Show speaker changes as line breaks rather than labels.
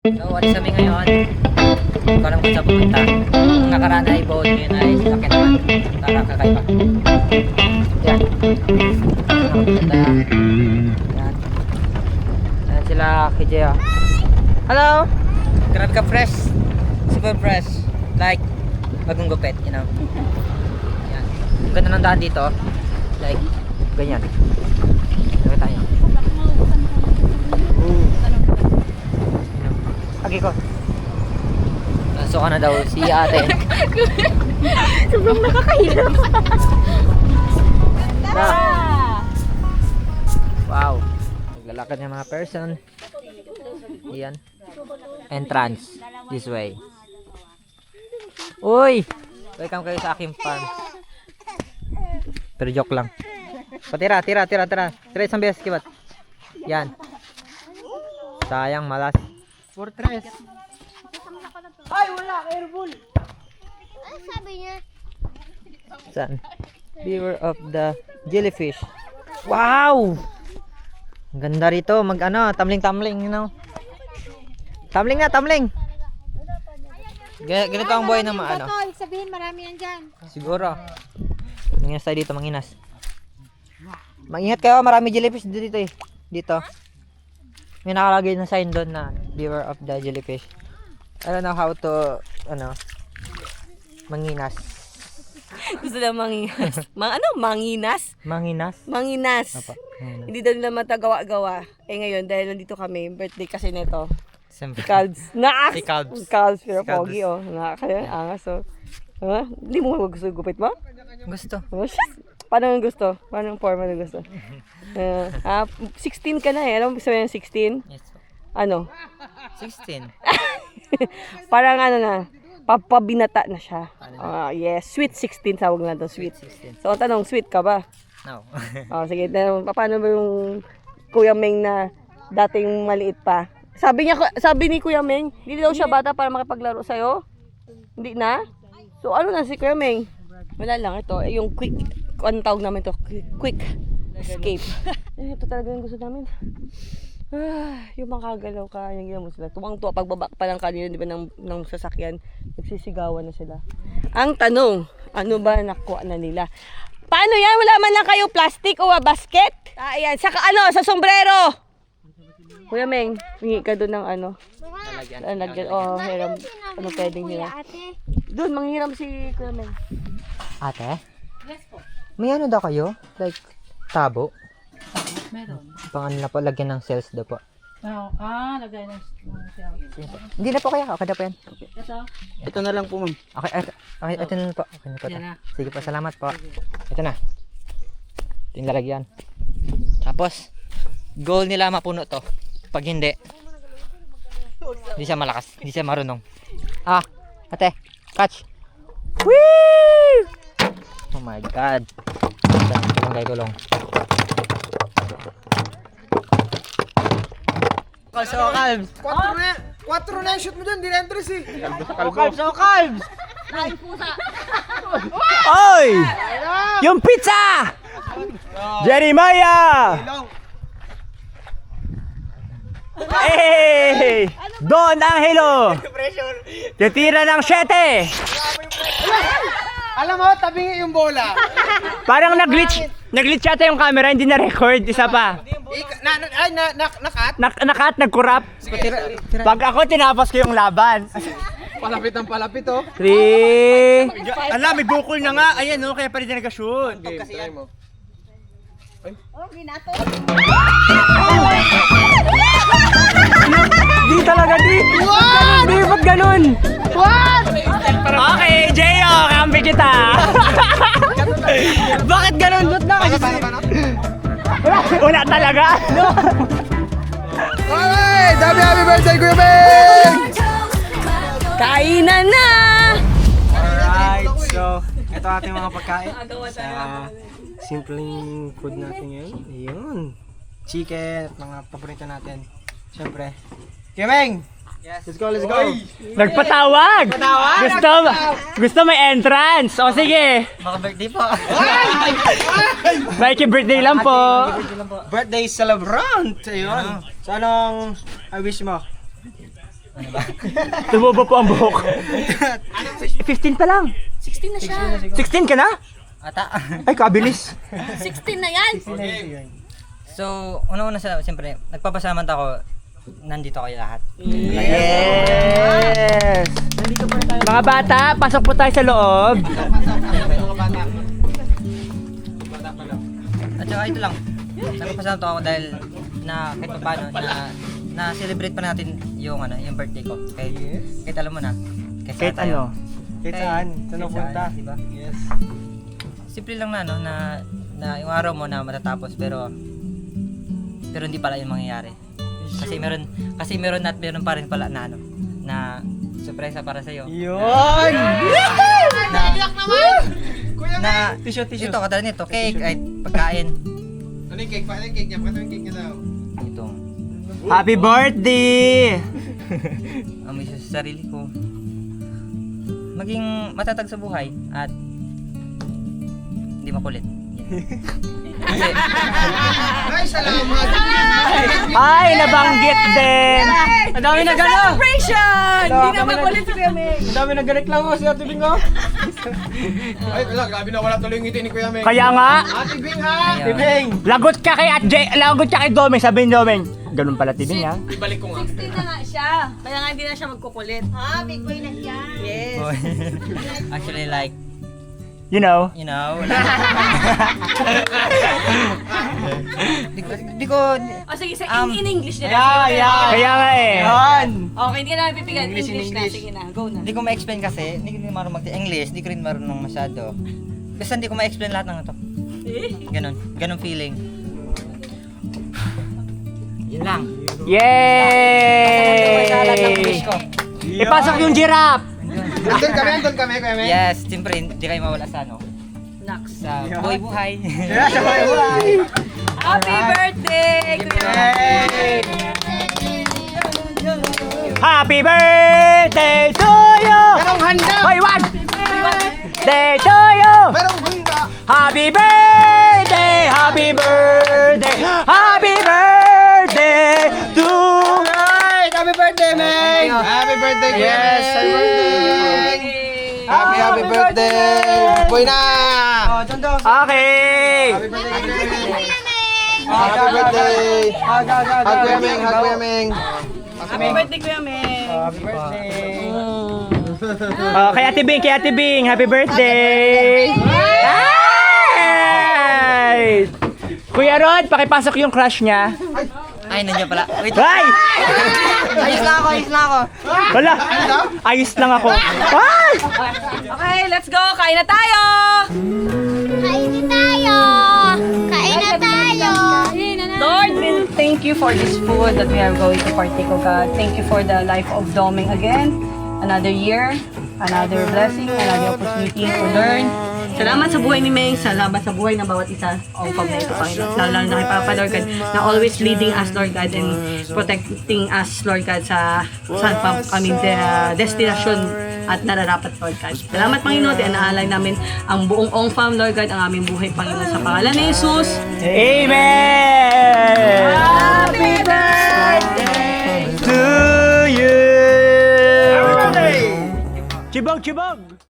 So, alis kami ngayon. Hindi ko alam kung saan pupunta. Ang nakaraan ay boat, ngayon ay sasakyan naman. Para kakaiba. Yan. Maganda. Yan. Yan sila, Kijeo. Hello! Grabe ka fresh. Super fresh. Like, bagong gupit, you know. Yan. Ang ganda ng daan dito. Like, ganyan. Sabi tayo. Agi ko. So ka na daw si ate.
Sobrang nakakahirap.
Na. Wow. Naglalakad ng mga person. Ayan. Entrance. This way. Uy! Welcome kayo sa aking farm. Pero joke lang. Patira, tira. Tira isang beses kibat. Yan. Sayang, malas. Fortress.
Ay, wala. Airball. Ano sabi niya?
Saan? Beware of the jellyfish. Wow! Ang ganda rito. Tumbling, you know. Tumbling. Ganito ang buhay ng mga ano.
Ibig sabihin marami yan dyan.
Siguro. Manginas tayo dito, manginas. Mag-ingat kayo, marami jellyfish dito eh. Dito. May nakalagay na sign doon na beware of the jellyfish. I don't know how to, manginas.
Gusto na manginas. Manginas?
Manginas?
Manginas.
Apa, manginas.
Hindi daw nila matagawa-gawa. Ngayon, dahil nandito kami, birthday kasi nito.
Siyempre.
Calves.
Si Calves.
Calves, pero
Si Calves.
pogi, oh. Nakakaya, angas, oh. Ha? Hindi mo gusto gupit mo?
Gusto.
Oh, shit. Paano ang gusto? Paano ang forma na gusto? 16 ka na eh. Alam mo sabihin ng 16?
Yes.
Ano?
16.
Parang ano na, papabinata na siya. Yes, sweet 16 tawag na doon, sweet.
16.
So, ang tanong, sweet ka ba?
No.
Sige, paano ba yung Kuya Meng na dating maliit pa? Sabi ni Kuya Meng, hindi daw siya bata para makipaglaro sa'yo? Hindi na? So, ano na si Kuya Meng? Wala lang, ito, yung quick, ano tawag namin to? Quick escape. Ito talaga yung gusto namin. Yung makagalaw ka, yung ginawa mo sila. Tuwang-tuwa, pagbaba pa lang kanina, di ba, ng sasakyan, nagsisigawan na sila. Ang tanong, ano ba nakuha na nila? Paano yan? Wala man lang kayo plastic o basket? Ayan, saka sa sombrero! Kuya Meng, hingi ka doon ng lalagyan. Hiram. Ano pwedeng hiram?
Ate.
Doon, manghiram si Kuya Meng.
Ate? May ano daw kayo? Like, tabo?
Meron.
Pang ano na po, lagyan ng cells daw po.
Lagay ng shell.
Hindi na po kaya, okay na po yan.
Ito?
Ito na lang po, ma'am.
Okay, ito na po. Okay na po.
Yan na.
Sige po, salamat po. Ito na. Ito yung lalagyan. Tapos, goal nila mapuno to. Pag hindi siya malakas, hindi siya marunong. Ate, catch. Whee! Oh my god. Gulong. Calves.
4 na yung shoot mo dyan, di na entries eh.
Calves. Oy! Yung pizza! Jeremiah! Hey! Don Angelo! Titira ng 7!
Alam mo, tabingi yung bola.
Parang nag-glitch yata yung camera, hindi na-record. Isa pa.
Nakat?
Nakat, nag-corrupt. Pag ako, tinapos ko yung laban.
Palapit ang palapit, oh.
3. Ala, may bukol na nga. Ayan, no? Kaya pa rin nag-shoot.
Game, try mo.
Di talaga, di. What? Di, ba't ganun? What? Okay, Jeyo, kampi kita. Bakit ganun? Ba't na? Una talaga. No.
Alright! Happy birthday, Kuya Beng!
Kainan na!
Alright, so ito ating mga pagkain sa simpleng food natin ngayon. Ayun. Chicken at mga paborito natin. Siyempre. Kuya Beng! Yes. Let's go.
Nagpatawag! Gusto may entrance. O sige. Baka birthday po. Mikey birthday lang po.
Birthday celebrant! Ayun. So anong wish mo?
Ano ba?
Tumubo po ang buhok. 15 pa lang.
16 na siya.
16 ka na?
Ata.
Ay, kabilis.
16 na yan.
So, una-una siyempre, nagpapasalamat ako, nandito kayo lahat.
Yes! Mga bata, pasok po tayo sa loob.
At saka ito lang, nagpapasalamat ako dahil na kahit pa paano, na celebrate pa natin yung yung birthday ko. Kahit alam mo na.
Kahit ano? Kahit saan? Saan
Kahit
punta?
saan, diba?
Yes.
Simple lang na na yung araw mo na matatapos pero hindi pala yung mangyayari. Kasi meron at meron pa rin pala na surpresa para sa iyo.
Yun!
Na
Tissue.
ito katulad nito, cake ay pagkain.
Ano yung cake? Paano yung cake niya? Paano yung cake niya daw?
Ito.
Happy birthday!
Amoy sa sarili ko. Maging matatag sa buhay at hindi makulit. Yan. Kasi
Ay, salamat!
Ay, nabanggit din! Ang dami na gano'n!
Celebration! Hindi na makulit si Kuya Meng.
Ang dami na gareklamo si Ate Bingo.
Ay, wala. Grabe na wala tuloy yung ngiti ni Kuya Meng.
Kaya nga,
Ate Bing ha!
Ate Bing! Lagot ka kay lagot ka kay Domeng. Sabi ni Domeng, ganun pala Ate Bing ha?
Ibalik ko nga.
16 na nga siya. Kaya nga hindi na siya magkukulit.
Ah, big boy na siya.
Yes.
actually like,
You know?
di ko
O sige, in English na.
Kaya nga eh. Yan!
Okay, hindi ka na pipigan.
English in
English na.
English.
Sige na, go na.
Hindi ko ma-explain kasi, hindi ko marunong mag-English, hindi ko rin marunong masyado. Basta hindi ko ma-explain lahat ng ito. Ganon feeling. Yun lang. Sa lahat ng wish
Yay!
ko.
Ipasok yung giraffe!
Andun kami, Kuya Meng.
Yes, siyempre, hindi kayo mawala sa
Next.
sa buhay-buhay.
Happy birthday, Kuya Meng!
Happy birthday to you!
Merong handa!
Hoy, wag! Day to you!
Merong handa!
Happy birthday! Happy birthday! Happy birthday to
Alright! Happy birthday, Meng! Happy birthday, Kuya
Yes,
Meng!
happy birthday.
Happy birthday! Boy na!
Okay!
Happy birthday, Kuya Meng! Happy birthday! Hug Kuya Meng! Hug Kuya Meng!
Happy birthday, Kuya Meng!
Happy birthday! Kay Ate Bing, happy birthday! Ay! Kuya Rod, pakipasok yung crush niya.
Ay, nandiyan pala. Wait.
Ay!
Ayos lang ako.
Wala! Ayos lang ako. Ay!
Okay, let's go! Kain na tayo!
Kain na tayo. Kain na tayo.
Lord, we thank you for this food that we are going to partake of, God. Thank you for the life of Domeng again. Another year, another blessing, another opportunity to learn. Salamat sa buhay ni Meng, salamat sa buhay ng bawat isa o pag-ito, Panginoon. Lalo na kay Papa, Lord God, na always leading us, Lord God, and protecting us, Lord God, sa aming destination at nararapat, Lord God. Salamat, Panginoon, at naalay namin ang buong Ong Fam, Lord God, ang aming buhay, Panginoon, sa pangalan ni Jesus.
Amen!
Happy birthday!
To you! Chibog!